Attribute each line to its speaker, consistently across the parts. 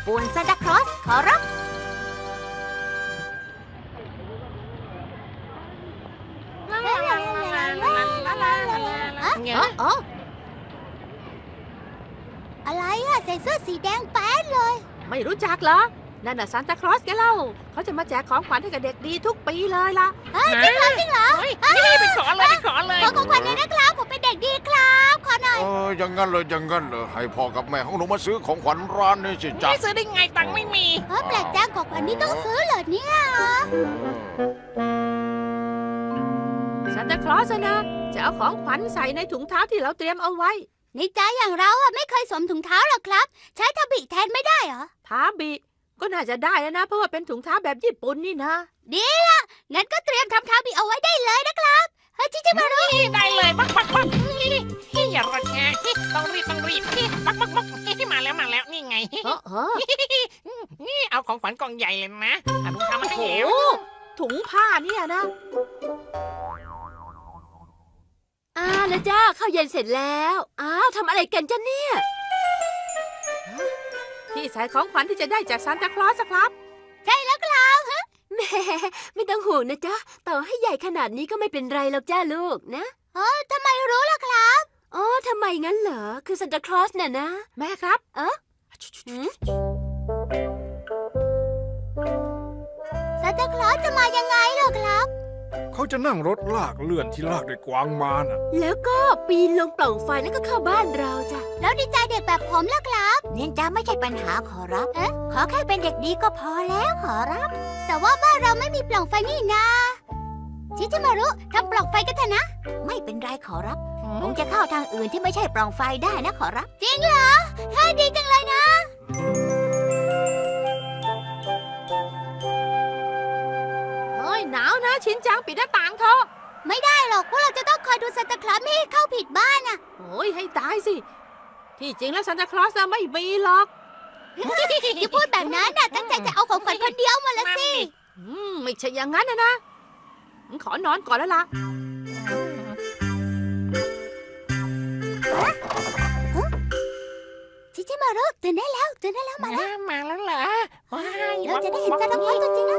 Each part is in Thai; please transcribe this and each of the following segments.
Speaker 1: ป่วนซานตาคลอสขอรับอะไรอะใส่เสื้อสีแดงแป๊ดเลย
Speaker 2: ไม่รู้จักเหรอนั่นน่ะซานตาคลอสแกเล่าเขาจะมาแจกของขวัญให้กับเด็กดีทุกปีเลยล่ะ
Speaker 1: จริงเหรอจริงเหรอ
Speaker 3: นี่ไปขอเลยขอเลย
Speaker 1: ขอของขวัญเลยนะครับผมเป็นเด็กดีครับขอหน่อย
Speaker 4: อย่างงั้นเลยให้พ่อกับแม่ของหนูมาซื้อของขวัญร้านนี้สิจ๊ะ
Speaker 3: ไม่ซื้อได้ไงตังค์ไม่มี
Speaker 1: แปลกจังของขวัญนี่ต้องซื้อเหรอเนี่ย
Speaker 2: ซานตาคลอสนะจะเอาของขวัญใส่ในถุงเท้าที่เราเตรียมเอาไว้
Speaker 1: ในใจอย่างเราอะไม่เคยสวมถุงเท้าหรอกครับใช้ทาบิแทนไม่ได้เหรอ
Speaker 2: ทาบิก็น่าจะได้นะเพราะว่าเป็นถุงเท้าแบบญี่ปุ่นนี่นะ
Speaker 1: ดีละงั้นก็เตรียมทำทาบิเอาไว้ได้เลยนะครับเฮ้ยจิมารุ
Speaker 3: ได้เลยบักอย่ารอช้าต้องรีบบักมาแล้วนี่ไงนี่เอาของขวัญกล่องใหญ่เลยนะถุงเท้ามาให้แล้ว
Speaker 2: ถุงผ้าเนี่ยนะ
Speaker 5: แล้วจ้าข้าวเย็นเสร็จแล้วทำอะไรกันจ้าเนี่ย
Speaker 2: ที่ใส่ของขวัญที่จะได้จากซานตาคลอสครับ
Speaker 1: ใช่แล้วครับ
Speaker 5: แม่ไม่ต้องห่วงนะจ๊ะต่อให้ใหญ่ขนาดนี้ก็ไม่เป็นไรหรอกจ้าลูกนะ
Speaker 1: ทำไมรู้ล่ะครับ
Speaker 5: ทำไมงั้นเหรอคือซานตาคลอสน่ะนะ
Speaker 2: แม่ครับ
Speaker 1: ซานตาคลอสจะมายังไงเหรอครับ
Speaker 4: เขาจะนั่งรถลากเลื่อนที่ลากด้วยกวางมาน่ะ
Speaker 5: แล้วก็ปีนลงปล่องไฟแล้วก็เข้าบ้านเราจ้ะ
Speaker 1: แล้วดีใจเด็กแบบผมล่ะครับเน้นจ้าไม่ใช่ปัญหาขอรับขอแค่เป็นเด็กดีก็พอแล้วขอรับแต่ว่าบ้านเราไม่มีปล่องไฟนี่นาชิมารุทำปล่องไฟกันเถอะนะไม่เป็นไรขอรับผมจะเข้าทางอื่นที่ไม่ใช่ปล่องไฟได้นะขอรับจริงเหรอดีจังเลยนะ
Speaker 2: หนาวนะชินจังปิดหน้าต่างเถอะ
Speaker 1: ไม่ได้หรอกพวกเราจะต้องคอยดูซานตาคลอสไม่ให้เข้าผิดบ้านน่ะ
Speaker 2: โอ้ยให้ตายสิที่จริงแล้วซานตาคลอสไม่มีหรอก
Speaker 1: อย่าพูดแบบนั้นน่ะตั้งใจจะเอาของขวัญคนเดียวมาละสิ
Speaker 2: ไม่ใช่อย่างนั้นนะขอนอนก่อนแล้วล่ะ
Speaker 1: ชิมารุตื่นได้แล้วมาแล้ว
Speaker 3: เหรอ
Speaker 1: เราจะได้เห็นซานตาคลอสตัวจริงนะ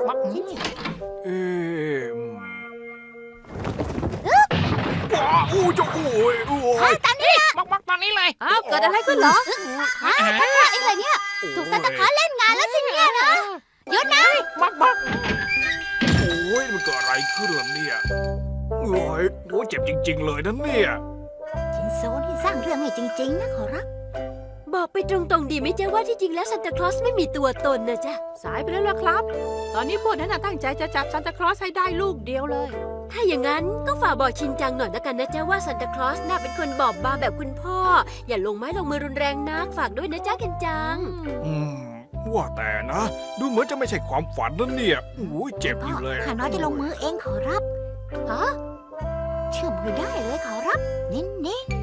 Speaker 1: ตอนนี้ละ
Speaker 3: ตอนนี้เลย
Speaker 2: เกิดอะไรขึ้นเหรอ
Speaker 1: ท่านเองเลยเนี่ยถูกซานตาคลอสเล่นงานแล้วสิเนี่ยนะหยุดนะ
Speaker 4: บักโอ้ยมันเกิดอะไรขึ้นล่ะเนี่ยโอ้ยเจ็บจริงๆเลยนะเนี่ย
Speaker 1: ชินโซนี่สร้างเรื่องให้จริงๆนะขอรับ
Speaker 5: บอกไปตรงๆดีไหมจ๊ะว่าที่จริงแล้วซานตาคลอสไม่มีตัวตนนะจ๊ะ
Speaker 2: สายไปแล้วล่ะครับตอนนี้พวกนั้นตั้งใจจะจับซานตาคลอสให้ได้ลูกเดียวเลย
Speaker 5: ถ้าอย่างนั้นก็ฝากบอกชินจังหน่อยแล้วกันนะจ๊ะว่าซานตาคลอสน่าเป็นคนบอบบางแบบคุณพ่ออย่าลงไม้ลงมือรุนแรงนักฝากด้วยนะจ๊ะชินจัง
Speaker 4: ว่าแต่นะดูเหมือนจะไม่ใช่ความฝันนั่นเนี่ยโอ้ยเจ็บอยู่เลย
Speaker 1: ข้าน้อยจะลงมือเองขอรับเชื่อมือได้เลยขอรับเน้น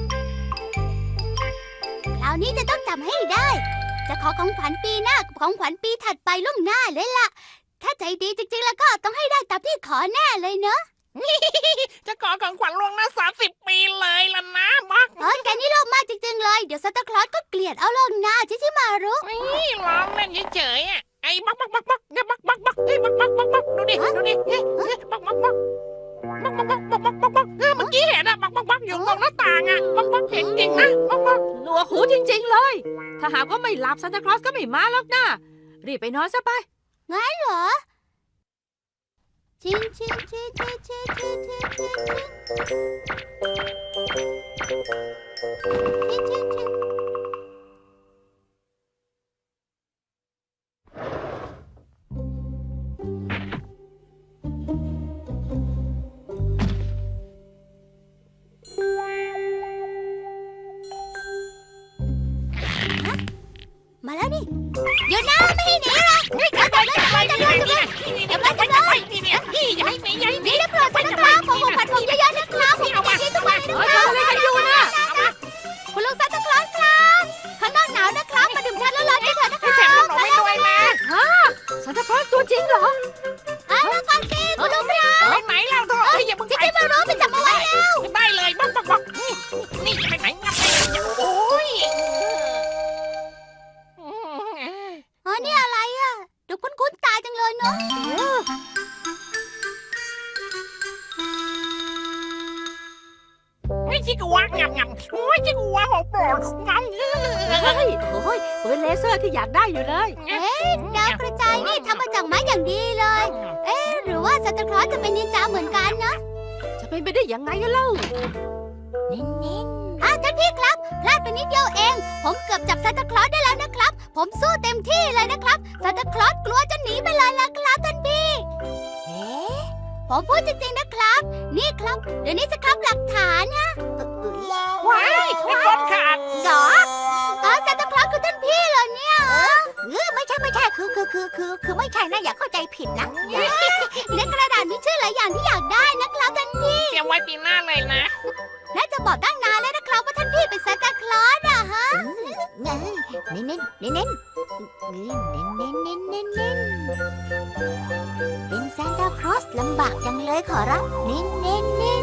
Speaker 1: คราวนี้จะต้องจำให้ได้จะขอของขวัญปีหน้ากับของขวัญปีถัดไปล่วงหน้าเลยล่ะถ้าใจดีจริงๆแล้วก็ต้องให้ได้ตามที่ขอแน่เลยเนอะ
Speaker 3: จะขอของขวัญล่วงหน้า30 ปีเลยล่ะนะ
Speaker 1: แกนี่โลภมากจริงๆเลยเดี๋ยวซานตาคลอสก็เกลียดเอาล่วงหน้าชิมารุ
Speaker 3: ร้องเล่นเฉยๆไอ้บักเนี่ยบักดูดิบักเมื่อกี้เห็นบักอยู่ตรงหน้าต่างบักเห็นจริงนะ
Speaker 2: หนวกหูจริงๆเลยถ้าหากว่าไม่หลับซานตาคลอสก็ไม่มาหรอกนะรีบไปนอนซะไป
Speaker 1: งั้นเหรอชินมาแล้วนี่เดี๋ยวนะไม่ให้หนีหรอกจะไปอย่าให้หนีนะโปรดซานตาคลอสของขวัญผมเยอะๆนะครับผมจะกินทุกวันเลยนะครับ
Speaker 2: อะไรกันอยู่นะ
Speaker 1: คุณลุงซานตาคลอสครับข้างนอกหนาวนะครับมาดื่มชาร้อนๆกันเถอะนะครับ
Speaker 3: ไม่ด้วยนะ
Speaker 2: ซานตาคลอสตัวจริงเหรอ
Speaker 1: มาก่อนสิคุณลุงครับ
Speaker 3: ไหนเราเถอะอย่าเพิ่งไป
Speaker 1: มารู้ไปจับมาไว้แล้ว
Speaker 3: ได้เลยบักนี่ไปไหนงับไปโอ้ย
Speaker 1: เนาะ
Speaker 3: ไม่ชิกวะงับไม่ชิกวะหัวโปรดงับ
Speaker 2: เฮ้ยโอ้ยปืนเลเซอร์ที่อยากได้อยู่เลย
Speaker 1: ดาวกระจายนี่ทำมาจากไม้อย่างดีเลย หรือว่าซานตาคลอสจะเป็นนินจาเหมือนกันนะ
Speaker 2: จะเป็นไปได้ยังไงกันเล่า
Speaker 1: เน้นท่านพี่ครับพลาดไปนิดเดียวเอง ผมเกือบจับซานตาคลอสได้แล้วนะครับ ผมสู้เต็มที่เลยนะครับซานตาคลอสกลัวจนหนีไปเลยละครับท่านพี่ผมพูดจริงๆนะครับ นี่ครับเดี๋ยวนี้จะครับหลักฐานนะ
Speaker 3: ว้ายไม่กดขาด
Speaker 1: เหรอซานตาคลอสคือท่านพี่เหรอเนี่ยไม่ใช่คือไม่ใช่นะอย่าเข้าใจผิดนะในกระดาษมีชื่อหลายอย่างที่อยากได้นะครับท่านพี่
Speaker 3: เตรียมไว้ปีหน้าเลยนะ
Speaker 1: น่าจะบอกตั้งนานแล้วนะครับว่าท่านพี่เป็นซานตาคลอสอะฮะเน้นเป็นซานตาคลอสลำบากจังเลยขอรับเน้น